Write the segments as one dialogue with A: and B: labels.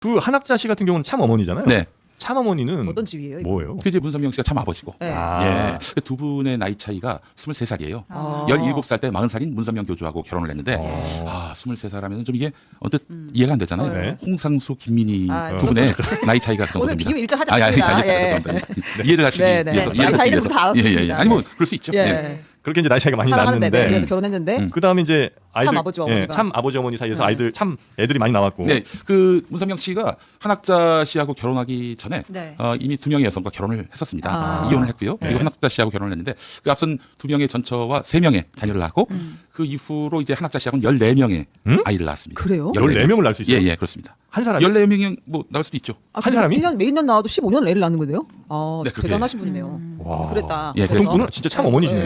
A: 그 한학자 씨 같은 경우는 참 어머니잖아요.
B: 네.
A: 참 어머니는
C: 어떤 집이에요? 이거?
A: 뭐예요?
B: 그 이제 문선명 씨가 참 아버지고.
C: 네.
B: 예. 두 분의 나이 차이가 23살이에요. 17살 때 40살인 문선명 교주하고 결혼을 했는데 23살 하면 좀 이게 언뜻 이해가 안 되잖아요.
A: 네.
B: 홍상수, 김민희
C: 아,
B: 두 분의 나이 차이가 그
C: 오늘
B: 정도입니다.
C: 비교 일절 하지 않습니다.
B: 죄송합니다. 이해를 하시기
C: 네, 네.
B: 위해서.
C: 나이
B: 이해를
C: 차이는
B: 하시기
C: 다 알았습니다.
B: 위해서. 예, 예. 아니 뭐 그럴 수 있죠.
C: 예.
B: 예.
A: 그렇게 이제 나이 차이가 많이
C: 사랑하는데
A: 났는데
C: 그래서 결혼했는데
A: 그다음에 이제 아이들
C: 참 아버지와 어머니가.
A: 참 아버지 어머니 사이에서
C: 네.
A: 아이들 참 애들이 많이 나왔고.
B: 네, 그 문선명 씨가 한학자 씨하고 결혼하기 전에
C: 네.
B: 이미 2명의 여성과 결혼을 했었습니다.
C: 아.
B: 이혼을 했고요.
C: 네.
B: 그리고 한학자 씨하고 결혼을 했는데 그 앞선 2명의 전처와 3명의 자녀를 낳았고 그 이후로 이제 한학자 씨하고는 14명의 아이를 낳았습니다.
C: 그래요?
A: 14명을 낳을 수 있어요?
B: 예, 예, 그렇습니다.
A: 한 사람이?
B: 14명이 뭐 낳을 수도 있죠.
A: 한 사람이?
C: 1년 몇 년 나와도 15년 애를 낳는 거네요? 아,
B: 네, 그렇게.
C: 대단하신 분이네요.
A: 와.
C: 그랬다.
B: 예,
A: 보통
B: 그래서-
A: 분은 진짜 참 어머니시네.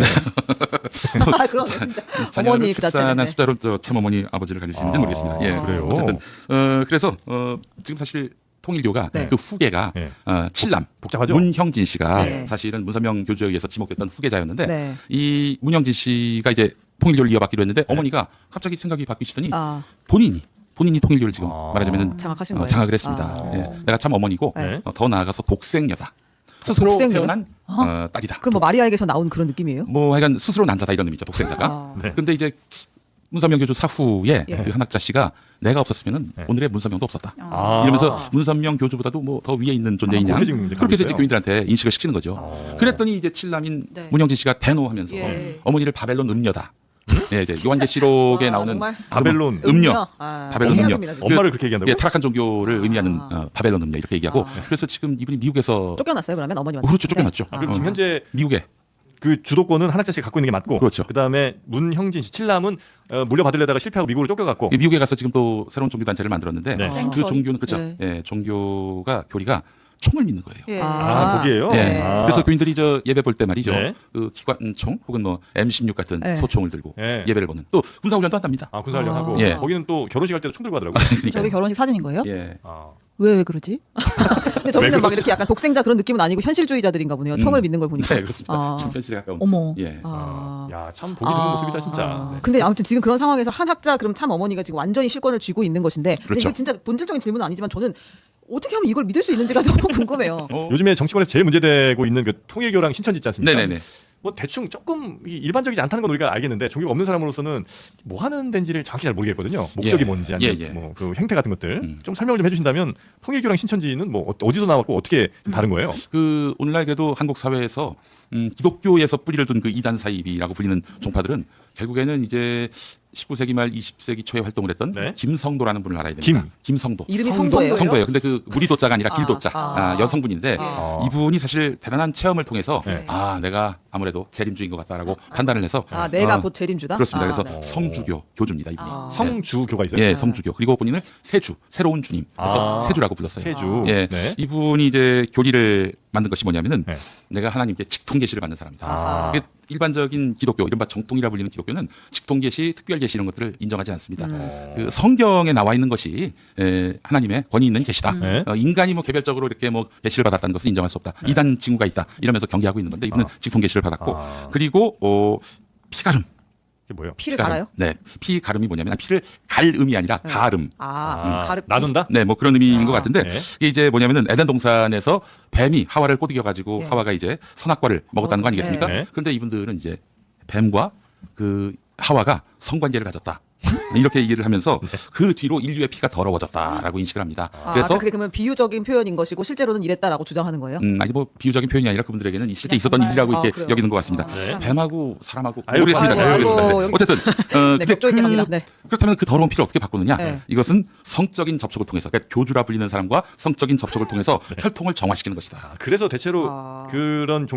C: 아, 그럼 진짜
B: 자녀를
C: 어머니 그 자체는.
B: 출산한
C: 네.
B: 수다로 참 어머니 아버지를 가질 수 있는지 모르겠습니다. 예,
A: 그래요?
B: 어쨌든 그래서 지금 사실 통일교가
C: 네.
B: 그 후계가
A: 네.
B: 칠남
A: 복잡하죠?
B: 문형진 씨가
C: 네.
B: 사실은 문선명 교주에 의해서 지목됐던 후계자였는데
C: 네.
B: 이 문형진 씨가 이제 통일교를 이어받기로 했는데 어머니가 갑자기 생각이 바뀌시더니
C: 아,
B: 본인이 통일교를 지금 말하자면은
C: 장악하신 거예요?
B: 장악을 했습니다.
C: 아.
B: 예, 내가 참 어머니고
A: 네.
B: 더 나아가서 독생녀다. 스스로
C: 독생녀요?
B: 태어난 딸이다.
C: 그럼 뭐 마리아에게서 나온 그런 느낌이에요?
B: 뭐 하여간 스스로 난자다 이런 의미죠. 독생자가.
C: 아.
A: 네.
B: 그런데 이제 문선명 교주 사후에
C: 예.
B: 그 한학자 씨가 내가 없었으면은 오늘의 문선명도 없었다.
A: 아.
B: 이러면서 문선명 교주보다도 뭐 더 위에 있는 존재인 양
A: 그렇게 지금 이제
B: 그렇게 이제
A: 가고 있어요?
B: 교인들한테 인식을 시키는 거죠. 그랬더니 이제 칠남인
D: 네.
B: 문형진 씨가 대노하면서
D: 예.
B: 어머니를 바벨론 음녀다. 예, 이제 요한계시록에
C: 와,
B: 나오는
C: 정말?
A: 바벨론
B: 음녀.
C: 아,
B: 바벨론 음녀.
C: 음녀입니다, 지금.
A: 엄마를 그렇게 얘기한다고?
B: 예, 타락한 종교를 의미하는 바벨론 음녀 이렇게 얘기하고
C: 아.
B: 그래서 지금 이분이 미국에서
C: 쫓겨났어요 그러면 어머님한테?
B: 그렇죠, 쫓겨났죠.
C: 네.
A: 그럼 지금 현재
B: 미국에
A: 그 주도권은 한학자 씨가 갖고 있는 게 맞고,
B: 그렇죠.
A: 그다음에 문형진 씨 칠남은 물려받으려다가 실패하고 미국으로 쫓겨갔고.
B: 미국에 가서 지금 또 새로운 종교 단체를 만들었는데
A: 네.
B: 그 종교는 그렇죠.
D: 네.
B: 예, 종교가 교리가 총을 믿는 거예요.
D: 예.
A: 아, 거기에요?
B: 예.
A: 아.
B: 그래서 교인들이 저 예배 볼 때 말이죠.
A: 네.
B: 그 기관총 혹은 뭐 M16 같은
C: 네.
B: 소총을 들고
A: 네.
B: 예배를 보는 또 군사훈련도 한답니다.
A: 아, 군사훈련 하고.
B: 예.
A: 거기는 또 결혼식 할 때도 총 들고 하더라고요.
D: 저게 결혼식 사진인 거예요?
B: 예.
A: 아.
D: 왜 그러지?
C: 근데 저기는 막 이렇게 약간 독생자 그런 느낌은 아니고 현실주의자들인가 보네요. 총을 믿는 걸 보니까.
B: 네, 그렇습니다.
C: 아.
B: 지금 현실에 가까운.
D: 어머.
B: 예.
C: 아.
A: 야, 참 보기 드문 모습이다 진짜.
C: 아.
A: 네.
C: 근데 아무튼 지금 그런 상황에서 한학자 그럼 참 어머니가 지금 완전히 실권을 쥐고 있는 것인데 근데
B: 그렇죠.
C: 이게 진짜 본질적인 질문은 아니지만 저는 어떻게 하면 이걸 믿을 수 있는지가 너무 궁금해요.
A: 요즘에 정치권에서 제일 문제되고 있는 그 통일교랑 신천지 있지 않습니까?
B: 네네네.
A: 뭐 대충 조금 일반적이지 않다는 건 우리가 알겠는데 종교가 없는 사람으로서는 뭐 하는 데인지를 정확히 잘 모르겠거든요. 목적이
B: 예.
A: 뭔지 아니면
B: 예, 예.
A: 뭐 그 행태 같은 것들 좀 설명을 좀 해주신다면 통일교랑 신천지는 뭐 어디서 나왔고 어떻게 다른 거예요?
B: 그 오늘날 그래도 한국 사회에서 기독교에서 뿌리를 둔 그 이단 사이비라고 불리는 종파들은 결국에는 이제 19세기 말 20세기 초에 활동을 했던
A: 네.
B: 김성도라는 분을 알아야 됩니다. 김성도.
C: 이름이 성도예요?
B: 성도예요. 근데 그 무리도자가 아니라 길도자. 여성분인데
A: 아.
B: 이분이 사실 대단한 체험을 통해서
A: 네.
B: 내가 아무래도 재림주인 것 같다라고 판단을 해서
C: 아, 내가 곧 재림주다?
B: 그렇습니다.
C: 아,
B: 그래서
C: 네.
B: 성주교 교주입니다. 이분이.
A: 성주교가 있어요?
B: 예, 성주교. 그리고 본인을 세주, 새로운 주님. 그래서
A: 아.
B: 세주라고 불렀어요.
A: 세주.
B: 예,
A: 네.
B: 이분이 이제 교리를 만든 것이 뭐냐면은
A: 네.
B: 내가 하나님께 직통계시를 받는 사람이다.
A: 아.
B: 이게 일반적인 기독교, 이른바 정통이라 불리는 기독교는 직통계시, 특별계시 이런 것들을 인정하지 않습니다. 그 성경에 나와 있는 것이 하나님의 권위 있는 계시다.
A: 네.
B: 인간이 뭐 개별적으로 이렇게 뭐 계시를 받았다는 것은 인정할 수 없다. 이단 징후가 있다. 이러면서 경계하고 있는 건데 이분은 직통계시를 받았고 그리고 피가름.
A: 이게 뭐예요?
C: 피를 갈아요?
B: 네, 피가름이 뭐냐면 피를 갈 의미 아니라 가름.
A: 나눈다?
B: 네, 뭐 그런 의미인 것 같은데
A: 네.
B: 이게 이제 뭐냐면은 에덴 동산에서 뱀이 하와를 꼬드겨 가지고
C: 예.
B: 하와가 이제 선악과를 먹었다는 거 아니겠습니까?
A: 네.
B: 그런데 이분들은 이제 뱀과 그 하와가 성관계를 가졌다. 이렇게 얘기를 하면서 그 뒤로 인류의 피가 더러워졌다라고 인식을 합니다. 그래서
C: 그게 그러면 비유적인 표현인 것이고 실제로는 이랬다라고 주장하는 거예요?
B: 아니 뭐 비유적인 표현이 아니라 그분들에게는 실제
C: 그냥
B: 있었던
C: 정말?
B: 일이라고 이렇게
C: 그래요?
B: 여기는 것 같습니다.
A: 네.
B: 뱀하고 사람하고
A: 아이고,
B: 모르겠습니다. 잘
C: 아이고,
B: 모르겠습니다.
C: 여기-
B: 어쨌든
C: 네,
B: 근데
C: 격조 있게 갑니다. 네.
B: 그렇다면 그 더러운 피를 어떻게 바꾸느냐?
C: 네.
B: 이것은 성적인 접촉을 통해서 그러니까 교주라 불리는 사람과 성적인 접촉을 통해서 혈통을 정화시키는 것이다.
A: 그래서 대체로
C: 아.
A: 그런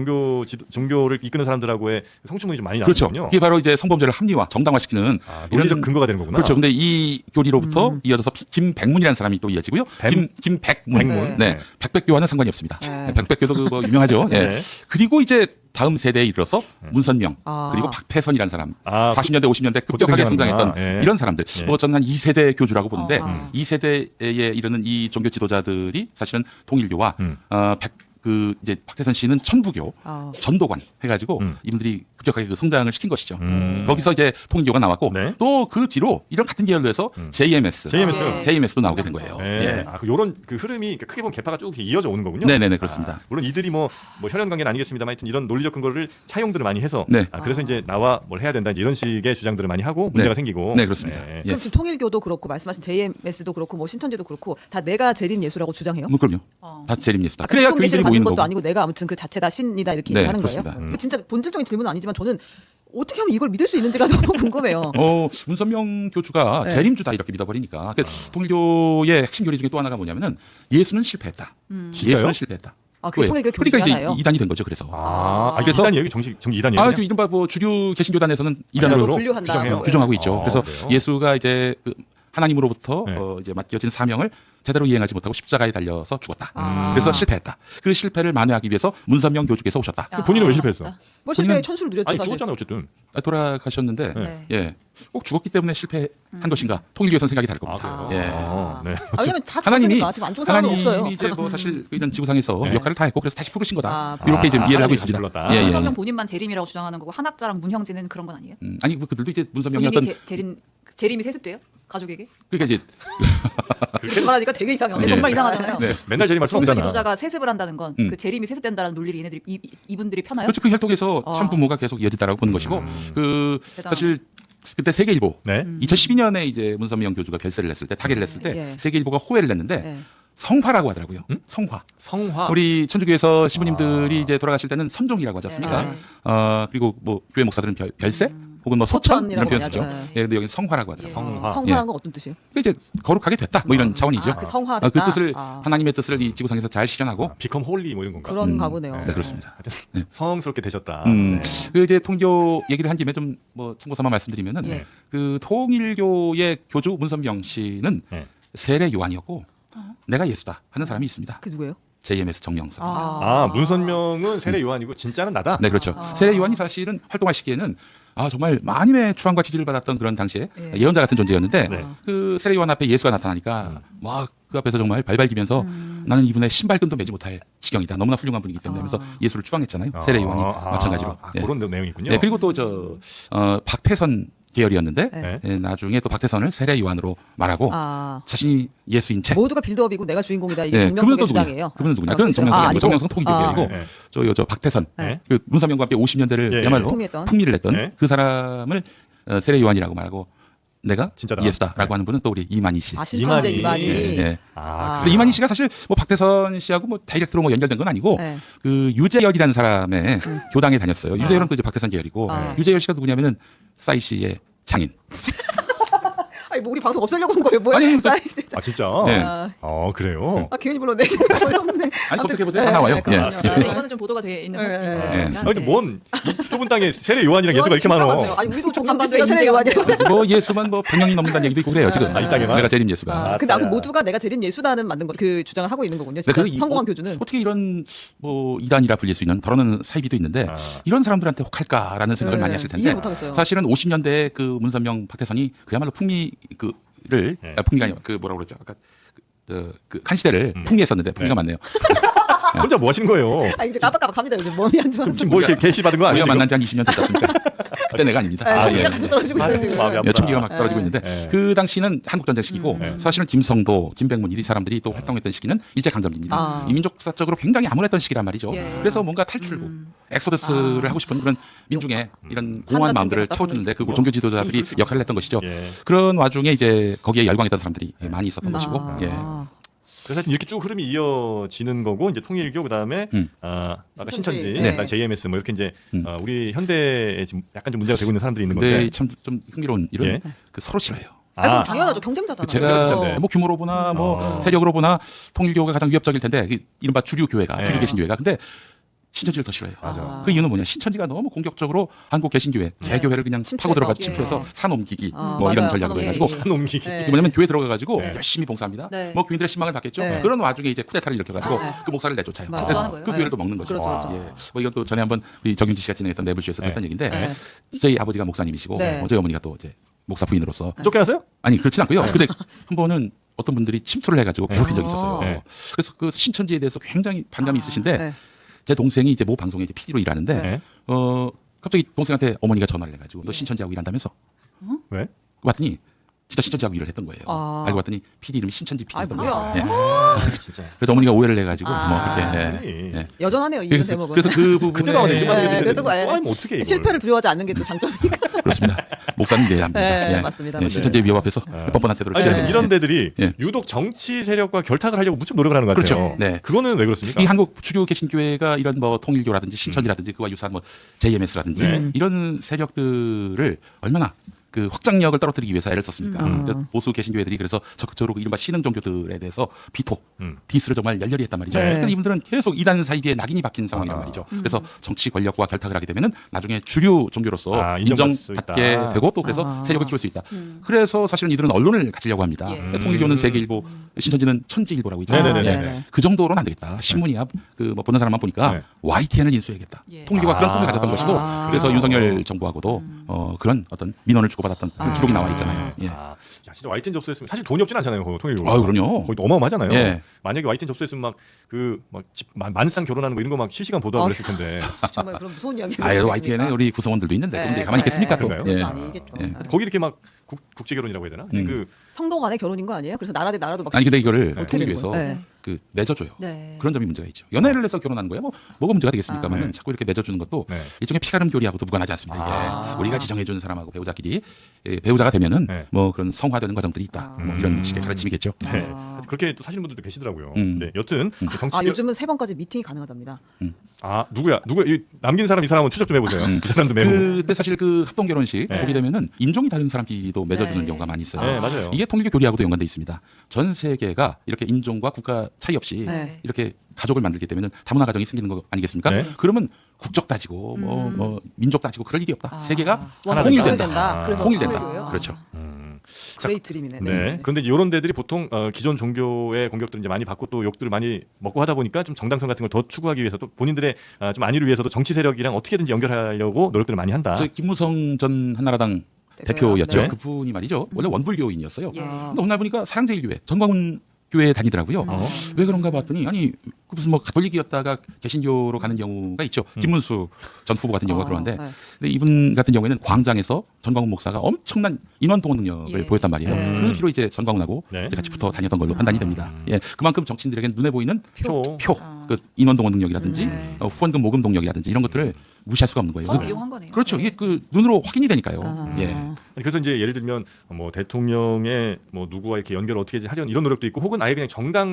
A: 종교를 이끄는 사람들하고의 성추문이 좀 많이
B: 그렇죠.
A: 나거든요.
B: 그게 바로 이제 성범죄를 합리화, 정당화시키는
A: 논리적 근거가 되는 거구나.
B: 그렇죠. 근데 이 교리로부터 이어져서 김백문이라는 사람이 또 이어지고요. 김백문.
A: 백문.
B: 네. 백백교와는 상관이 없습니다.
C: 네.
B: 백백교도 그 뭐 유명하죠. 예.
A: 네.
B: 그리고 이제 다음 세대에 이르러서 문선명
C: 아.
B: 그리고 박태선이라는 사람 40년대 50년대
A: 그때
B: 급격하게
A: 등장하는구나.
B: 성장했던
A: 예.
B: 이런 사람들
A: 예.
B: 뭐 저는 한 2세대 교주라고 보는데
C: 아.
B: 2세대에 이르는 이 종교 지도자들이 사실은 통일교와 이제 박태선 씨는 천부교
C: 아.
B: 전도관 해가지고 이분들이 급격하게 그 성장을 시킨 것이죠. 거기서 이제 통일교가 나왔고
A: 네.
B: 또 그 뒤로 이런 같은 계열로 해서 JMS,
A: JMS.
B: JMS도 나오게 된 거예요.
A: 네.
B: 예.
A: 아, 요런 그 흐름이 크게 보면 개파가 쭉 이렇게 이어져 오는 거군요.
B: 네네네 그렇습니다.
A: 물론 이들이 뭐 혈연 관계는 아니겠습니다만 하여튼 이런 논리적 근거를 차용들을 많이 해서
B: 네.
A: 그래서 이제 나와 뭘 해야 된다 이제 이런 식의 주장들을 많이 하고 문제가
B: 네.
A: 생기고.
B: 네 그렇습니다.
A: 네.
B: 예.
C: 그럼 지금 통일교도 그렇고 말씀하신 JMS도 그렇고 뭐 신천지도 그렇고 다 내가 재림 예수라고 주장해요?
B: 뭐 그럼요. 다 재림예수다.
C: 아까
B: 그래야
C: 식품 계시를
B: 교인들이
C: 받는
B: 모이는
C: 것도
B: 거고.
C: 아니고 내가 아무튼 그 자체다 신이다 이렇게
B: 네,
C: 얘기하는
B: 그렇습니다.
C: 거예요? 진짜 본질적인 질문은 아니지만 저는 어떻게 하면 이걸 믿을 수 있는지가 너무 궁금해요.
B: 문선명 교주가
C: 네.
B: 재림주다 이렇게 믿어버리니까 통일교의 핵심 교리 중에 또 하나가 뭐냐면은 예수는 실패했다. 예수는 실패했다.
C: 아, 그게 통일교 교리
B: 그러니까
C: 중에
B: 이제
C: 하나예요?
B: 이단이 된 거죠. 그래서
A: 그래서 이단 얘기 정식 이단 얘기.
B: 저 이른바 뭐 주류 개신교단에서는 이단으로
C: 이단으로 분류한다.
A: 규정해요?
B: 규정하고 있죠. 그래서
A: 그래요?
B: 예수가 이제 그 하나님으로부터
A: 네.
B: 이제 맡겨진 사명을 제대로 이행하지 못하고 십자가에 달려서 죽었다.
C: 아.
B: 그래서 실패했다. 그 실패를 만회하기 위해서 문선명 교주께서 오셨다.
A: 본인은 왜 실패했어?
C: 뭐 실패의
B: 본인은-
C: 천수를 누렸죠
A: 아니
C: 사실.
A: 죽었잖아 어쨌든.
B: 돌아가셨는데
A: 네.
B: 예. 꼭 죽었기 때문에 실패한 것인가? 통일교에서는 생각이 다를 겁니다.
A: 그래요?
B: 예.
A: 네.
C: 왜냐면 다
B: 하나님이
C: 죽었으니까 지금 안 죽은 사람은 없어요.
B: 하나님이 이제 뭐 사실 이런 지구상에서
A: 네.
B: 역할을 다 했고 그래서 다시 부르신 거다.
C: 아,
B: 이렇게 이제 이해를 하고
A: 하나님이
B: 있습니다.
A: 다시 불렀다.
B: 예, 예, 예.
E: 문선명 본인만 재림이라고 주장하는 거고 한학자랑 문형진은 그런 건 아니에요?
B: 아니 뭐 그들도 이제 문선명이
E: 본인이
B: 어떤
E: 재림이 세습돼요? 가족에게?
B: 그러니까 이제
C: 그렇게 말하니까 되게 이상해요.
E: 근데
B: 예.
E: 정말 이상하잖아요.
B: 네.
A: 맨날 재림할 수
E: 성주
A: 없잖아.
E: 지도자가 세습을 한다는 건
B: 음.
E: 그 재림이 세습된다는 논리를 얘네들이 이분들이 펴나요?
B: 그렇죠. 그 혈통에서
E: 아.
B: 참부모가 계속 이어지다라고 보는 것이고 그
E: 대단하다.
B: 사실 그때 세계일보
A: 네.
B: 2012년에 이제 문선명 교주가 별세를 냈을 때 타계를 냈을 때
C: 예.
B: 세계일보가 호해를 냈는데
C: 예.
B: 성화라고 하더라고요. 성화.
A: 성화.
B: 우리 천주교에서 신부님들이 이제 돌아가실 때는 선종이라고 하지 않습니까?
E: 네.
B: 그리고 뭐 교회 목사들은 별세 혹은 뭐 소천 이런
C: 소천이라고
B: 표현
C: 많이
B: 쓰죠.
C: 하죠.
B: 예, 근데 여기 성화라고 하더라고요.
A: 성화.
C: 성화란 건 어떤 뜻이에요?
B: 그 이제 거룩하게 됐다 뭐 이런 차원이죠.
C: 그 성화됐다.
B: 그 뜻을
C: 아.
B: 하나님의 뜻을 이 지구상에서 잘 실현하고
A: 비컴 홀리 뭐 이런 건가?
C: 그런가 보네요.
B: 네, 그렇습니다. 네.
A: 성스럽게 되셨다.
B: 그 이제 통일교 얘기를 한 김에 좀 뭐 참고삼아 말씀드리면은
E: 예.
B: 그 통일교의 교주 문선명 씨는
A: 네.
B: 세례 요한이었고 내가 예수다 하는 사람이 있습니다.
C: 그 누구예요?
B: JMS 정영석.
A: 문선명은 세례 요한이고 진짜는 나다.
B: 네, 그렇죠. 세례 요한이 사실은 활동할 시기에는 정말 많이의 추앙과 지지를 받았던 그런 당시에 예언자 같은 존재였는데
A: 네.
B: 그 세례 요한 앞에 예수가 나타나니까 막 그 앞에서 정말 발발 기면서 나는 이분의 신발끈도 매지 못할 지경이다. 너무나 훌륭한 분이기 때문에 하면서 예수를 추앙했잖아요. 세례 요한이 마찬가지로. 예.
A: 그런 내용이군요.
B: 네, 그리고 또 박태선 계열이었는데
A: 네.
B: 나중에 또 박태선을 세례 요한으로 말하고 자신이 예수인 채.
C: 모두가 빌드업이고 내가 주인공이다. 이게
B: 네,
C: 정명석의 주장이에요.
B: 그분은 누구냐? 그건 정명석이 아니고 정명석 통일교회이고
A: 네.
B: 저 박태선
A: 네.
B: 그 문선명과 함께 50년대를
A: 예,
B: 야말로
C: 풍미했던.
B: 풍미를 냈던
A: 네.
B: 그 사람을 세례 요한이라고 말하고 내가
A: 진짜다.
B: 예수다라고 하는 분은 또 우리 이만희 씨.
C: 신천지
A: 이만희.
C: 이만희.
B: 예, 예.
A: 아,
B: 이만희 씨가 사실 뭐 박태선 씨하고 뭐 다이렉트로 뭐 연결된 건 아니고
C: 네.
B: 그 유재열이라는 사람의 교당에 다녔어요. 유재열은 또 이제 박태선 계열이고 유재열 씨가 누구냐면은 싸이 씨의 장인.
C: 아니 뭐 우리 방송 없애려고 한 거예요. 뭐야?
B: 아니,
C: 사이즈.
A: 진짜?
B: 네.
A: 그래요?
C: 기운이 물론 내지 어렵네.
B: 아니 검색해보세요. 다 나와요. 예.
C: 그렇군요.
E: 근데 이거는 좀 보도가 돼 있는
C: 네.
E: 거니까.
A: 아니, 근데 뭔 좁은 땅에 세례 요한이랑 예수가 이렇게 많어.
C: 아니 우리도 정말
E: 한반도에
C: 세례
E: 인재가
C: 요한이라고.
B: 뭐 예수만 뭐 100명이 넘는다는 얘기도 있고 그래요 지금.
A: 이 땅에만?
B: 내가 재림 예수가.
C: 근데 아무튼 모두가 내가 재림 예수다는 맞는 거, 그 주장을 하고 있는 거군요. 진짜 성공한 교주는.
B: 어떻게 이런 뭐 이단이라 불릴 수 있는 더러는 사이비도 있는데 이런 사람들한테 혹할까라는 생각을
C: 네,
B: 많이 하실 텐데
C: 이해 못하겠어요.
B: 사실은 50년대 그 문선명 박태선이 그야말로 풍미를 풍미가 아니라 그 뭐라고 그러죠 아까 그 칸시대를 풍미했었는데 풍미가 맞네요.
A: 혼자 뭐 하시는 거예요?
C: 이제 깜빡깜빡합니다. 요즘 몸이 안 좋아서.
A: 지금 뭐 이렇게 게시 받은 거 아니에요?
B: 우리가
A: 지금?
B: 만난 지 한 20년 됐지 않습니까? 그때 내가 아닙니다.
C: 총기가 계속 떨어지고 있어요 지금.
A: 마음이 아프다.
B: 총기가 막 떨어지고 있는데
A: 네.
B: 그 당시는 한국전쟁 시기고 사실은 김성도, 김백문 이 사람들이 또 활동했던 시기는 일제강점기입니다. 이민족사적으로 굉장히 암울했던 시기란 말이죠.
E: 예.
B: 그래서 뭔가 탈출구, 엑소더스를 하고 싶은 그런 민중의 이런 공허한
C: 한가운데
B: 마음들을
C: 답답한
B: 채워주는데 그
C: 느낌이고.
B: 종교 지도자들이 역할을 했던 것이죠.
A: 예.
B: 그런 와중에 이제 거기에 열광했던 사람들이 많이 있었던 것이고 예.
A: 그래서 하여튼 이렇게 쭉 흐름이 이어지는 거고 이제 통일교 그다음에 아까 신천지,
C: 네.
A: 그다음에 JMS 뭐 이렇게 이제 우리 현대에 지금 약간 좀 문제가 되고 있는 사람들이 있는
B: 근데
A: 건데.
B: 참 좀 흥미로운 일은
A: 예.
B: 그 서로 싫어해요.
C: 그럼 당연하죠. 경쟁자잖아요.
B: 제가
A: 그렇죠.
B: 뭐 규모로 보나 뭐 세력으로 보나 통일교가 가장 위협적일 텐데 그 이른바 주류 교회가 주류 개신교회가 근데 신천지를 더 싫어해요.
A: 맞아.
B: 그 이유는 뭐냐? 신천지가 너무 공격적으로 한국 개신교회, 개교회를 그냥
C: 침투해서.
B: 파고 들어가
C: 예.
B: 침투해서 산 옮기기 뭐
C: 맞아요.
B: 이런 전략으로
C: 산
B: 해가지고
C: 옮기기.
A: 산 옮기기.
C: 네.
B: 이게 뭐냐면 교회 들어가가지고
A: 네.
B: 열심히 봉사합니다.
E: 네.
B: 뭐 교인들의 신망을 받겠죠.
C: 네.
B: 그런 와중에 이제 쿠데타를 일으켜가지고 그 목사를 내쫓아요.
C: 맞아요.
B: 그래서
E: 하는 거예요.
B: 그 교회를 또 먹는 거죠.
C: 그렇죠, 그렇죠.
B: 예. 뭐 이건 또 전에 한번 우리 정윤지 씨가 진행했던 내부쇼에서 했던 얘기인데
C: 네.
B: 저희 아버지가 목사님이시고
C: 네.
B: 저희 어머니가 또 이제 목사 부인으로서
A: 쫓겨났어요?
B: 아니 그렇진 않고요. 근데 한 번은 어떤 분들이 침투를 해가지고 괴롭힌 적이 있었어요.
A: 네.
B: 그래서 그 신천지에 대해서 굉장히 반감이 있으신데
C: 네.
B: 제 동생이 이제 모 방송에 이제 PD로 일하는데
A: 네.
B: 갑자기 동생한테 어머니가 전화를 해가지고 너 신천지하고 일한다면서?
A: 왜?
B: 봤더니 진짜 신천지하고 일을 했던 거예요.
C: 아.
B: 알고 봤더니 PD 이름이 신천지 PD였던
C: 뭐야.
B: 거예요. 예.
A: 진짜.
B: 그래서 어머니가 오해를 해가지고
C: 아.
B: 뭐 그렇게.
A: 아니.
B: 예.
C: 여전하네요. 이
B: 그래서,
C: 대목은.
B: 그래서 그 부분에
A: 그때가 근데 이름만
C: 네,
A: 얘기했는데
C: 그래도
A: 또 하면 어떻게 이걸.
C: 실패를 두려워하지 않는 게 또 장점이니까.
B: 그렇습니다. 목사님 돼야 합니다.
C: 네, 맞습니다.
B: 예, 신천지의 위협 앞에서 뻔뻔한 태도를
A: 아니,
B: 취해야
A: 근데
B: 됩니다.
A: 이런 데들이
B: 예.
A: 유독 정치 세력과 결탁을 하려고 무척 노력을 하는 것 같아요.
B: 그렇죠. 네.
A: 그거는 왜 그렇습니까?
B: 이 한국 주류 개신교회가 이런 뭐 통일교라든지 신천지라든지 그와 유사한 뭐 JMS라든지
A: 네.
B: 이런 세력들을 얼마나 그 확장력을 떨어뜨리기 위해서 애를 썼습니까? 그래서 보수 개신교회들이 그래서 적극적으로 이른바 신흥 종교들에 대해서 비토, 디스를 정말 열렬히 했단 말이죠.
C: 네.
B: 그래서 이분들은 계속 이단 사이비에 낙인이 박힌 상황이란 말이죠. 그래서 정치 권력과 결탁을 하게 되면은 나중에 주류 종교로서
A: 인정받을 수
B: 인정받게
A: 있다.
B: 되고 또 그래서 세력을 키울 수 있다. 그래서 사실은 이들은 언론을 가지려고 합니다.
E: 예.
B: 통일교는 세계일보, 신천지는 천지일보라고 있잖아요.
A: 네네네.
B: 예. 그 정도로는 안 되겠다. 신문이야 그 뭐 보는 사람만 보니까
A: 네.
B: YTN을 인수해야겠다.
E: 예.
B: 통일교가 그런 꿈을 가졌던 것이고 그래서
A: 아.
B: 윤석열 정부하고도 그런 어떤 민원을 주고받았던 그런 기록이 나와 있잖아요. 예.
A: 야, 진짜 YTN 접수했으면 사실 돈이 없진 않잖아요. 통일교.
B: 아유, 그럼요.
A: 거의 어마어마하잖아요.
B: 예.
A: 만약에 YTN 접수했으면 만상 결혼하는 거 이런 거 막 실시간 보도하고 그랬을 텐데.
C: 정말 그런 무서운 이야기.
B: 아, YTN에 우리 구성원들도 있는데
C: 네,
B: 근데 가만히 있겠습니까 또?
A: 그런가요?
B: 예.
C: 아니겠죠.
B: 예.
A: 거기 이렇게 막 국제 결혼이라고 해야 되나? 그
C: 성도 간의 결혼인 거 아니에요? 그래서 나라 대 나라도 막
B: 아니 근데 이거를
C: 어떻게 되는
B: 통일교에서
C: 거예요? 네.
B: 그 맺어줘요.
E: 네.
B: 그런 점이 문제가 있죠. 연애를 해서 결혼하는 거야 뭐가 문제가 되겠습니까만은
A: 네.
B: 자꾸 이렇게 맺어주는 것도
A: 네.
B: 일종의 피가름 교리하고도 무관하지 않습니다. 이게
A: 아.
B: 우리가 지정해주는 사람하고 배우자끼리 배우자가 되면은
A: 네.
B: 뭐 그런 성화되는 과정들이 있다. 뭐 이런 식의 가르침이겠죠.
A: 네.
C: 아.
A: 그렇게 또 사시는 분들도 계시더라고요.
B: 음.
A: 네. 여튼 정치
C: 아, 요즘은 3번까지 미팅이 가능하답니다.
A: 누구야? 이 남긴 사람 이 사람은 추적 좀 해보세요. 그 사람도 메모.
B: 근데 사실 그 합동 결혼식
A: 네.
B: 보게 되면은 인종이 다른 사람끼리도 맺어주는
E: 네.
B: 경우가 많이 있어요.
A: 네, 맞아요.
B: 이게 통일교 교리하고도 연관돼 있습니다. 전 세계가 이렇게 인종과 국가 차이 없이
C: 네.
B: 이렇게 가족을 만들게 되면 다문화 가정이 생기는 거 아니겠습니까?
A: 네.
B: 그러면 국적 따지고 뭐 민족 따지고 그럴 일이 없다. 세계가
A: 하나
B: 통일된다.
A: 된다.
E: 그래서
B: 통일된다.
E: 통일교예요?
B: 그렇죠.
C: 그레이 드림이네.
A: 네. 그런데 이제 이런 데들이 보통 기존 종교의 공격들을 이제 많이 받고 또 욕들을 많이 먹고 하다 보니까 좀 정당성 같은 걸 더 추구하기 위해서 또 본인들의 좀 안위를 위해서도 정치 세력이랑 어떻게든지 연결하려고 노력들을 많이 한다.
B: 저 김무성 전 한나라당 대표였죠.
A: 네.
B: 그분이 말이죠. 원래 원불교인이었어요.
E: 예.
B: 근데 어느 날 보니까 사랑제일교회 전광훈 교회에 다니더라고요. 왜 그런가 봤더니 아니 그 무슨 뭐 가톨릭이었다가 개신교로 가는 경우가 있죠. 김문수 전 후보 같은 경우가 그러는데
C: 네.
B: 근데 이분 같은 경우에는 광장에서 전광훈 목사가 엄청난 인원 동원 능력을
E: 예.
B: 보였단 말이에요. 그 뒤로 이제 전광훈하고
A: 네.
B: 이제 같이 붙어 다녔던 걸로 판단이 됩니다. 예, 그만큼 정치인들에게 눈에 보이는
A: 표.
B: 그 인원 동원 능력이라든지 후원금 모금 동력이라든지 이런 것들을 무시할 수가 없는 거예요.
E: 서로 이용한 거네요.
B: 그렇죠.
E: 네.
B: 이게 그 눈으로 확인이 되니까요. 예.
A: 그래서 이제 예를 들면 뭐 대통령의 뭐 누구와 이렇게 연결을 어떻게 하려는 이런 노력도 있고 혹은 아예 그냥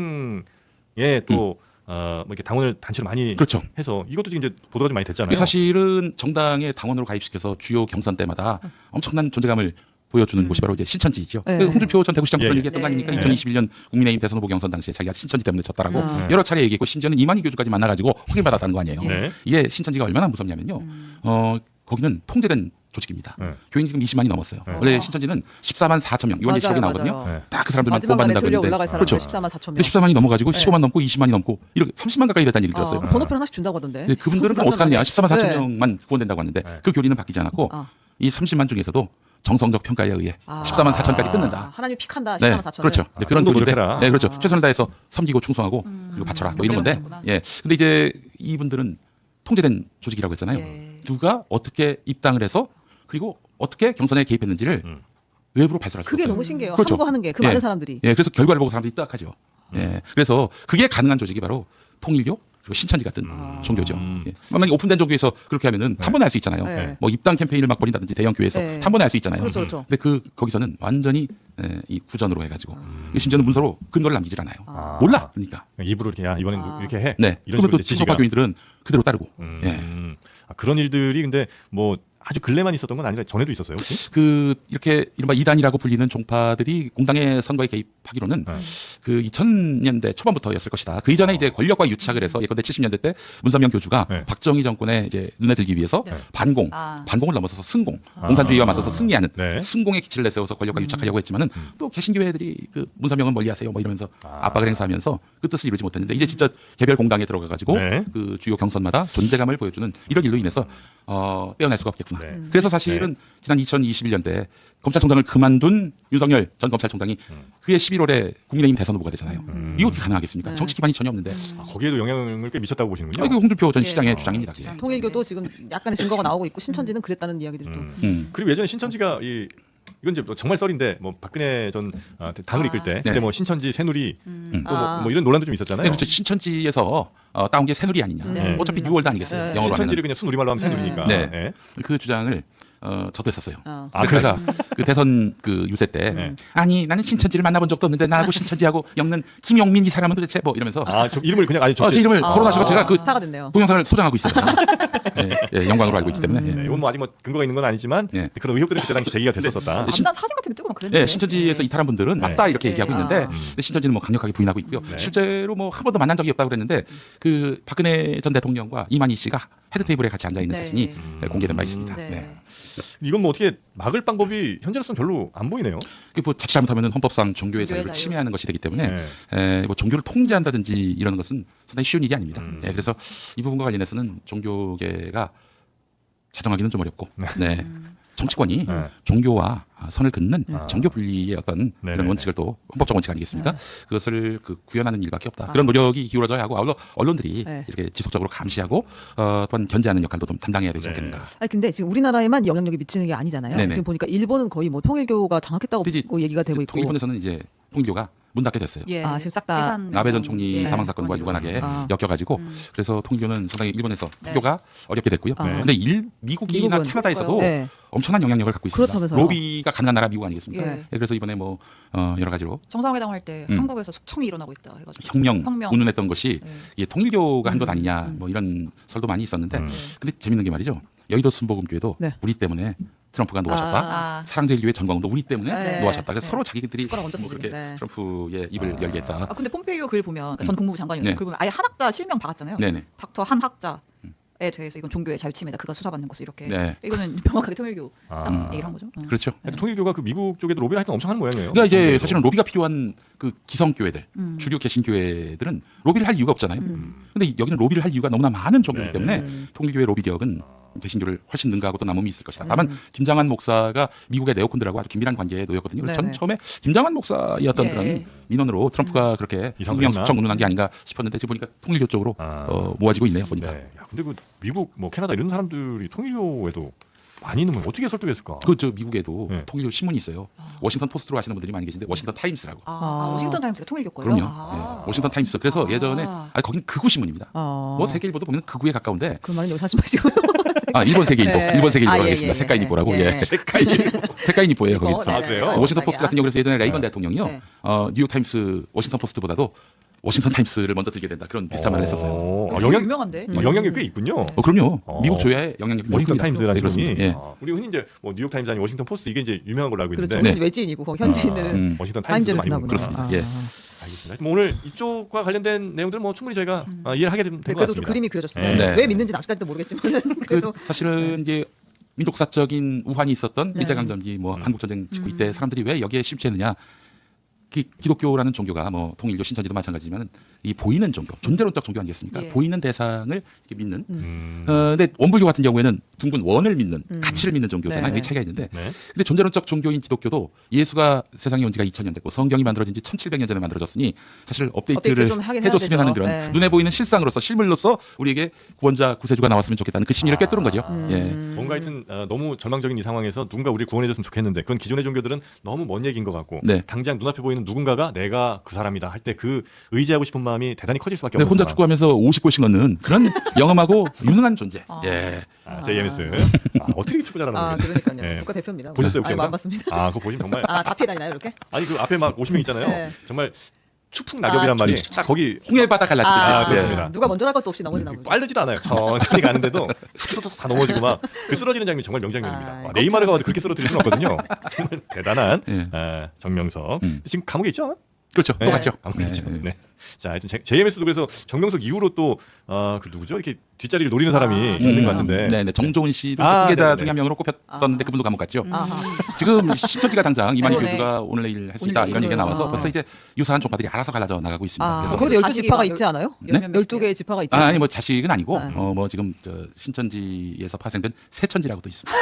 A: 정당에 또 뭐 이렇게 당원을 단체로 많이
B: 그렇죠.
A: 해서 이것도 지금 이제 보도가 좀 많이 됐잖아요.
B: 이게 사실은 정당의 당원으로 가입시켜서 주요 경선 때마다 엄청난 존재감을 보여주는 곳이 바로 이제 신천지죠.
C: 네.
B: 그 홍준표 전 대구시장
A: 예,
B: 그런
A: 예.
B: 얘기했던 거 아닙니까?
E: 네.
B: 2021년 국민의힘 대선 후보 경선 당시에 자기가 신천지 때문에 졌다라고
C: 아.
B: 여러 차례 얘기했고 심지어는 이만희 교주까지 만나가지고 확인받았다는 거 아니에요.
A: 네.
B: 이게 신천지가 얼마나 무섭냐면요. 거기는 통제된 조직입니다.
A: 네.
B: 교인이 지금 20만이 넘었어요.
A: 네.
B: 원래 신천지는 14만 4천 명 이원 기록이 나오거든요.
C: 맞아요.
A: 네.
B: 딱 그 사람들만
C: 마지막에
B: 뽑아낸다고
C: 들려
B: 했는데
C: 올라갈 사람들
B: 그렇죠.
C: 14만 4천 명.
B: 근데 14만이 넘어가지고
C: 네.
B: 15만 넘고 20만이 넘고 이렇게 30만 가까이 됐다는 얘기를 들었어요.
C: 번호표를 하나씩 준다고 하던데.
B: 근데 그분들은 그럼 어떡하냐? 14만 4천
C: 네.
B: 명만 구원된다고 하는데
A: 네.
B: 그 교리는 바뀌지 않았고
C: 아.
B: 이 30만 중에서도 정성적 평가에 의해
C: 아.
B: 14만 4천까지 끊는다.
C: 하나님 픽한다.
B: 네,
C: 14만 4천.
B: 그렇죠. 이제 그런
A: 좀 더
B: 교리인데,
A: 노력해라.
B: 네, 그렇죠. 최선을 다해서 섬기고 충성하고 그리고 바쳐라. 뭐 이런 건데,
E: 그렇구나.
B: 예. 근데 이제 이분들은 통제된 조직이라고 했잖아요.
E: 예.
B: 누가 어떻게 입당을 해서 그리고 어떻게 경선에 개입했는지를 외부로 발설할 수
C: 그게
B: 없어요.
C: 너무 신기해요.
B: 그렇죠.
C: 한거 하는 게 그
B: 예.
C: 많은 사람들이.
B: 예, 그래서 결과를 보고 사람들이 딱하죠. 예, 그래서 그게 가능한 조직이 바로 통일교 그리고 신천지 같은 종교죠. 예. 만약에 오픈된 종교에서 그렇게 하면은 탐번할 수 있잖아요.
C: 네.
B: 뭐 입당 캠페인을 막 벌인다든지 대형 교회에서
C: 네.
B: 탐번할 수 있잖아요.
C: 그렇죠, 그렇죠.
B: 근데 거기서는 완전히 이 구전으로 해가지고 심지어는 문서로 근거를 남기질 않아요. 몰라. 그러니까.
A: 입으로 이렇게 야 이번엔 이렇게 해.
B: 네.
A: 이런
B: 그러면 또
A: 식으로 이제
B: 친소파
A: 지지가.
B: 교인들은 그대로 따르고. 예.
A: 그런 일들이 근데 뭐 아주 근래만 있었던 건 아니라 전에도 있었어요. 혹시?
B: 그 이렇게 이른바 이단이라고 불리는 종파들이 공당의 선거에 개입하기로는 그 2000년대 초반부터였을 것이다. 그 이전에 이제 권력과 유착을 해서 예컨대 70년대 때 문선명 교주가
A: 네.
B: 박정희 정권에 이제 눈에 들기 위해서
E: 네.
B: 반공을 넘어서서 승공, 공산주의와 맞서서 승리하는
A: 네.
B: 승공의 기치를 내세워서 권력과 유착하려고 했지만은 또 개신교회들이 그 문선명은 멀리하세요 뭐 이러면서 압박을 행사하면서 그 뜻을 이루지 못했는데 이제 진짜 개별 공당에 들어가 가지고
A: 네.
B: 그 주요 경선마다 존재감을 보여주는 이런 일로 인해서 빼어날 수가 없겠구나.
A: 네.
B: 그래서 사실은 지난 2021년대 검찰총장을 그만둔 윤석열 전 검찰총장이 그해 11월에 국민의힘 대선 후보가 되잖아요. 이거 어떻게 가능하겠습니까?
C: 네.
B: 정치 기반이 전혀 없는데.
A: 아, 거기에도 영향을 꽤 미쳤다고 보시는군요.
B: 이게 홍준표 전 시장의
C: 예.
B: 주장입니다. 예.
C: 통일교도 지금 약간의 증거가 나오고 있고 신천지는 그랬다는 이야기들도.
A: 그리고 예전에 신천지가 이건 이제 정말 썰인데 뭐 박근혜 전 당을 이끌 때 그때
B: 네.
A: 뭐 신천지 새누리
C: 아.
A: 뭐 이런 논란도 좀 있었잖아요.
B: 네, 그렇죠. 신천지에서 따온 게 새누리 아니냐.
C: 네.
B: 어차피 뉴월드 아니겠어요.
C: 네.
B: 영어로
A: 신천지를
B: 하면.
A: 그냥 순우리말로 하면 새누리니까.
B: 네.
A: 네.
B: 그 주장을 저도 했었어요.
C: 어.
A: 아,
B: 그러니까 그 대선 그 유세 때
A: 네.
B: 아니 나는 신천지를 만나본 적도 없는데 나하고 신천지하고 엮는 김용민 이 사람은 도대체 뭐 이러면서
A: 아, 저 이름을 그냥 아니
B: 제 이름을 거론하시고 제가 그
C: 스타가 됐네요.
B: 동영상을 소장하고 있어요. 예, 영광으로 알고 있기 때문에.
A: 네,
B: 예.
A: 이건 뭐 아직 뭐 근거가 있는 건 아니지만
B: 네.
A: 그런 의혹들이 그때 당시 제기가 됐었다.
E: 암단 사진 같은 게 뜨고 막 그랬는데.
B: 네, 신천지에서 이탈한 분들은
A: 네.
B: 맞다 이렇게
E: 네.
B: 얘기하고 있는데
C: 아.
B: 근데 신천지는 뭐 강력하게 부인하고 있고요.
A: 네.
B: 실제로 뭐 한 번도 만난 적이 없다고 그랬는데 그 박근혜 전 대통령과 이만희 씨가 헤드 테이블에 같이 앉아 있는
E: 네.
B: 사진이 공개된 바 있습니다.
E: 네.
B: 네.
A: 이건 뭐 어떻게 막을 방법이 현재로서는 별로 안 보이네요.
B: 그게 뭐 자칫 잘못하면 헌법상 종교의 자유를
E: 자유.
B: 침해하는 것이 되기 때문에
A: 네.
B: 뭐 종교를 통제한다든지 이러는 것은 상당히 쉬운 일이 아닙니다.
A: 음.
B: 예, 그래서 이 부분과 관련해서는 종교계가 자정하기는 좀 어렵고 네. 정치권이
A: 네.
B: 종교와 선을 긋는
A: 아.
B: 정교 분리의 어떤
A: 네네네.
B: 이런 원칙을 또 헌법적 원칙 아니겠습니까? 그것을 구현하는 일밖에 없다. 그런 노력이 기울어져야 하고 아울러 언론들이
C: 네.
B: 이렇게 지속적으로 감시하고 또한 견제하는 역할도 좀 담당해야 되지
A: 네.
B: 않겠는가.
C: 아니 근데 지금 우리나라에만 영향력이 미치는 게 아니잖아요.
B: 네네.
C: 지금 보니까 일본은 거의 뭐 통일교가 장악했다고
B: 근데 이제
C: 얘기가 되고 있고.
B: 일본에서는 이제 통일교가 문 닫게 됐어요.
E: 예.
C: 아, 지금 싹 다
E: 해산
B: 아베 전 총리
E: 예.
B: 사망 사건과 유관하게
C: 아.
B: 엮여가지고 그래서 통일교는 상당히 일본에서
E: 네.
B: 통교가 어렵게 됐고요.
C: 아.
B: 근데 미국이나
C: 미국은
B: 캐나다에서도
C: 네.
B: 엄청난 영향력을 갖고 있습니다.
C: 그렇다면서요.
B: 로비가 가능한 나라 미국 아니겠습니까?
E: 예.
B: 그래서 이번에 뭐 여러 가지로
E: 정상회담 할 때
B: 음.
E: 한국에서 숙청이 일어나고 있다 해가지고.
B: 혁명,
E: 혁명.
B: 운운했던 것이
E: 네.
B: 이게 통일교가 한 것 아니냐 뭐 이런 설도 많이 있었는데 근데 재밌는 게 말이죠. 여의도 순복음교회도
C: 네.
B: 우리 때문에 트럼프가 놓아셨다.
E: 아.
B: 사랑제일교회 전광훈도 우리 때문에
C: 네.
B: 놓아셨다. 그래서
E: 네.
B: 서로 자기들이
C: 숟가락 얹었어,
B: 뭐 그렇게
C: 지금. 네.
B: 트럼프의 입을 열게 했다.
E: 아 근데 폼페이오 글 보면 그러니까 전 국무부 장관이었어요.
B: 네.
E: 글 보면 아예 한학자 실명 박았잖아요.
B: 네네.
E: 닥터 한학자에 대해서 이건 종교의 자유침해다. 그가 수사받는 것을 이렇게.
B: 네.
E: 이거는 명확하게 통일교
A: 아.
E: 딱 얘기를 한 거죠.
B: 그렇죠.
A: 통일교가 그 미국 쪽에도 로비를 하여튼 엄청 하는 모양이에요.
B: 그러니까 이제
A: 통일교도.
B: 사실은 로비가 필요한 그 기성교회들, 주류 개신교회들은 로비를 할 이유가 없잖아요. 근데 여기는 로비를 할 이유가 너무나 많은 종교이기
A: 네,
B: 때문에 통일교회 로비력은 개신교를 훨씬 능가하고 또 남음이 있을 것이다. 다만 김장한 목사가 미국의 네오콘들하고 아주 긴밀한 관계에 놓였거든요. 그래서 전
C: 네네.
B: 처음에 김장한 목사의 어떤
E: 예.
B: 그런 민원으로 트럼프가 그렇게
A: 이상을
B: 혁명
A: 했나?
B: 숙청 운운한 게 아닌가 싶었는데 지금 보니까 통일교 쪽으로 모아지고 있네요. 보니까.
A: 네. 야, 근데 그 미국 뭐 캐나다 이런 사람들이 통일교에도 많이 있는 건 어떻게 설득했을까?
B: 그 저 미국에도
A: 네.
B: 통일교 신문이 있어요. 워싱턴 포스트로 하시는 분들이 많이 계신데 워싱턴 타임스라고.
E: 아, 워싱턴 타임스가 통일교 거예요?
B: 그럼요.
E: 아.
B: 네. 워싱턴 타임스. 그래서 예전에 거긴 극우 신문입니다. 뭐 세계일보도 보면 극우에 가까운데
C: 그 말은 여기서 하지 마시고.
B: 일본 세계일보,
C: 네.
B: 일본 세계일보
C: 아, 예,
B: 하겠습니다.
C: 예,
B: 색깔일보라고.
C: 예.
B: 예. 색깔일보예요. 거기.
C: 네,
A: 아, 그래요?
C: 네.
B: 워싱턴 포스트 같은 경우는 예전에 레이건
A: 네.
B: 대통령이요.
C: 네.
B: 뉴욕 타임스, 워싱턴 포스트보다도 워싱턴 타임스를 먼저 들게 된다. 그런 비슷한 말을 했었어요.
A: 아,
E: 되게 유명한데.
A: 영향력이 꽤 있군요.
B: 그럼요.
A: 어.
B: 미국 조야의 영향력이
A: 워싱턴
B: 큽니다.
A: 타임스라는
B: 네, 그렇습니다.
A: 신문이
B: 예.
A: 우리 흔히 이제 뭐 뉴욕 타임즈 아니 워싱턴 포스트 이게 이제 유명한 걸로 알고
C: 그렇죠.
A: 있는데
C: 우리는 외지인이고 거기 현지인들은
A: 워싱턴 타임즈도
C: 타임즈를
A: 많이
C: 쓰나
A: 보고
C: 보네요.
B: 그렇습니다.
C: 아.
B: 예.
A: 알겠습니다. 뭐 오늘 이쪽과 관련된 내용들 뭐 충분히 저희가 이해를 하게 된 것
C: 네,
A: 같습니다.
C: 그래도 좀 그림이 그려졌습니다.
B: 네.
C: 왜 믿는지는 아직까지도 모르겠지만 그래도
B: 사실은 이제 민족사적인 우환이 있었던
C: 네.
B: 일제강점기 뭐 한국전쟁 직후 이때 사람들이 왜 여기에 심취했느냐. 기독교라는 종교가 뭐 통일교 신천지도 마찬가지지만 이 보이는 종교, 존재론적 종교 아니겠습니까?
E: 예.
B: 보이는 대상을 이렇게 믿는. 근데 원불교 같은 경우에는 둥근 원을 믿는, 가치를 믿는 종교잖아요.
C: 네.
B: 이 차이가 있는데.
A: 네.
B: 근데 존재론적 종교인 기독교도 예수가 세상에 온 지가 2000년 됐고 성경이 만들어진 지 1700년 전에 만들어졌으니 사실 업데이트를
C: 업데이트 좀 하긴 해야
B: 해줬으면
C: 되죠.
B: 하는 그런
C: 네.
B: 눈에 보이는 실상으로서 실물로서 우리에게 구원자 구세주가 나왔으면 좋겠다는 그 심리를 꿰뚫은 거죠. 예.
A: 뭔가 하여튼 너무 절망적인 이 상황에서 누군가 우리를 구원해줬으면 좋겠는데 그건 기존의 종교들은 너무 먼 얘기인 것 같고
B: 네.
A: 당장 눈앞에 보이는 누군가가 내가 그 사람이다 할 때 그 의지하고 싶은 마음이 대단히 커질 수밖에
B: 근데
A: 없는
B: 혼자
A: 상황.
B: 축구하면서 50골씩 넣는 그런 영험하고 유능한 존재. 예.
A: JMS 어떻게 축구 잘하는
C: 아
A: 거예요?
C: 그러니까요.
A: 네.
C: 국가대표입니다.
A: 보셨어요, 혹시
C: 아니,
A: 영상?
C: 안 봤습니다.
A: 아 그거 보시면 정말
C: 아 다 피해 다니나요 이렇게?
A: 아니 그 앞에 막 50명 있잖아요.
C: 네.
A: 정말 추풍 낙엽이란 말이 딱 거기
B: 홍해 바다 갈라지듯이.
A: 아, 그렇습니다.
C: 누가 먼저 할 것도 없이 넘어지나 보죠.
A: 빠르지도 않아요. 천천히 가는데도 툭툭툭 다 넘어지고 막 그 쓰러지는 장면이 정말 명장면입니다.
C: 아,
A: 와, 네이마르가 와도 그렇게 쓰러뜨릴 수는 없거든요. 정말 대단한
B: 예.
A: 정명석. 지금 감옥에 있죠?
B: 그렇죠.
A: 네.
B: 똑같죠.
A: 그렇죠.
B: 네.
A: 네. 자, 하여튼 JMS도 그래서 정명석 이후로 또 그 누구죠? 이렇게 뒷자리를 노리는 사람이 있는 것 같은데.
B: 네, 네. 정조은 씨도
A: 아,
B: 후계자
A: 네네네.
B: 중에 한 명으로 꼽혔었는데 그분도 감옥 갔죠.
C: 아하.
B: 지금 신천지가 당장 이만희
E: 네.
B: 교주가 오늘 내일 할 수 있다
E: 오늘
B: 이런 얘기가 나와서
C: 아.
B: 벌써 이제 유사한 종파들이 알아서 갈라져 나가고 있습니다.
C: 아,
B: 그래서
C: 거기도 12
E: 자식이
C: 지파가
E: 막
C: 있지 않아요?
B: 네?
C: 12개의 지파가 있지
B: 아니
C: 않아요?
B: 뭐 자식은 아니고
C: 네.
B: 뭐 지금 저 신천지에서 파생된 새천지라고도 있습니다.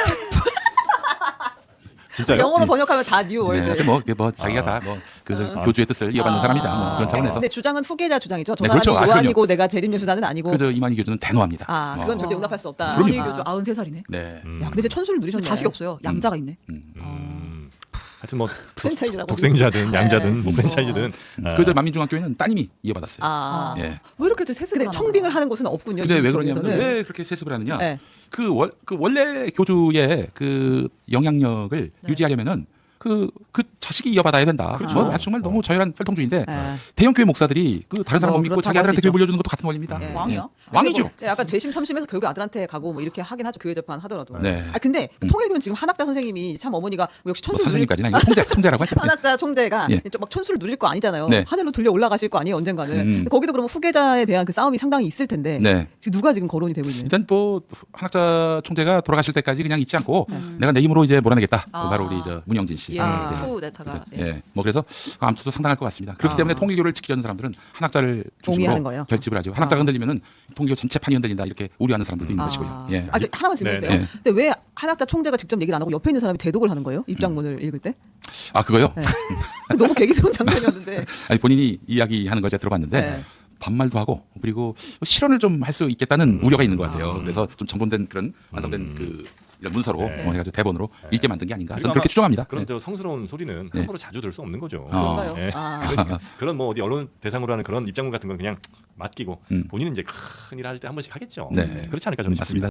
A: 진짜요?
C: 영어로 번역하면 다 뉴 월드.
B: 네, 뭐 자기가 다 뭐 그 교주의 뜻을 이어받는 사람이다. 뭐 그런 차원에서
C: 근데 주장은 후계자 주장이죠. 저
B: 네,
C: 사람이
B: 그렇죠. 아,
C: 요한이고 내가 재림예수자는 아니고.
B: 그저 이만희 교주는 대노합니다.
C: 아, 그건 절대 용납할 수 없다.
B: 그럼요.
E: 이만희 교주 93살이네.
B: 네.
C: 야, 근데 이제 천수를 누리셨네.
E: 자식이 없어요. 양자가 있네.
A: 하여튼 뭐
C: 프랜차이즈라고.
A: 독생자든 양자든 뭐
C: 네.
A: 프랜차이즈든
B: 그저 만민중앙교회는 따님이 이어받았어요.
C: 아.
B: 예.
E: 왜 이렇게 세습을
C: 근데 청빙을 하는 곳은 없군요.
B: 근데 왜
C: 이쪽에서는.
B: 그러냐면 왜 그렇게 세습을 하느냐?
C: 네.
B: 그 원래 교주의 그 영향력을 유지하려면은 그 자식이 이어받아야 된다.
A: 그렇죠.
B: 뭐 아주 정말 너무 저열한 혈통주의인데
C: 네.
B: 대형 교회 목사들이 그 다른 사람 못 믿고
C: 그렇다고
B: 자기
C: 할수
B: 아들한테
C: 있죠.
B: 교회 물려주는 것도 같은 원리입니다.
C: 네.
E: 왕이야?
B: 왕이죠.
C: 뭐 약간 재심 삼심해서 결국 아들한테 가고 뭐 이렇게 하긴 하죠. 교회 재판 하더라도.
B: 네.
C: 아 근데 통일교는 지금 한학자 선생님이 참 어머니가 뭐 역시
B: 뭐
C: 천수를 누릴
B: 선생님까지는 아니고 통제라고 하죠.
C: 한학자 총재가
B: 예.
C: 막 천수를 누릴 거 아니잖아요.
B: 네.
C: 하늘로 들려 올라가실 거 아니에요 언젠가는. 근데 거기도 그러면 후계자에 대한 그 싸움이 상당히 있을 텐데
B: 네.
C: 지금 누가 지금 거론이 되고 있는?
B: 일단 뭐 한학자 총재가 돌아가실 때까지 그냥 잊지 않고 내가 내 힘으로 이제 몰아내겠다.
E: 아.
B: 바로 우리 저 문영진 씨.
E: 예.
C: 아.
B: 네.
E: 후 내타가.
B: 그래서, 예. 뭐 그래서 암투도 상당할 것 같습니다. 그렇기 때문에 통일교를 지키려는 사람들은 한학자를
C: 동의하는
B: 중심으로
C: 거예요?
B: 결집을 하죠. 한학자가 흔들리면은 통일교 전체판이 흔들린다 이렇게 우려하는 사람들도 있는 것이고요. 예.
C: 아, 저 하나만 질문인데요.
B: 네, 네.
C: 근데 왜 한학자 총재가 직접 얘기를 안 하고 옆에 있는 사람이 대독을 하는 거예요? 입장문을 읽을 때?
B: 아 그거요?
C: 네. 너무 개기스러운 장면이었는데.
B: 아니 본인이 이야기하는 걸 제가 들어봤는데
C: 네.
B: 반말도 하고 그리고 실언을 좀 할 수 있겠다는 우려가 있는 것 같아요. 그래서 좀 정돈된 그런 완성된 그 이런 문서로
A: 네.
B: 해가지고 대본으로 읽게 만든 게 아닌가.
A: 그리고
B: 저는 그렇게
A: 아마
B: 추정합니다.
A: 그런
B: 네.
A: 저 성스러운 소리는
B: 네.
A: 함부로 자주 들 수 없는 거죠.
C: 그런가요?
A: 예.
C: 아.
A: 그런 뭐 어디 언론 대상으로 하는 그런 입장문 같은 건 그냥 맡기고
B: 음.
A: 본인은 이제 큰일 할 때 한 번씩 하겠죠.
B: 네.
A: 그렇지 않을까 저는
B: 맞습니다.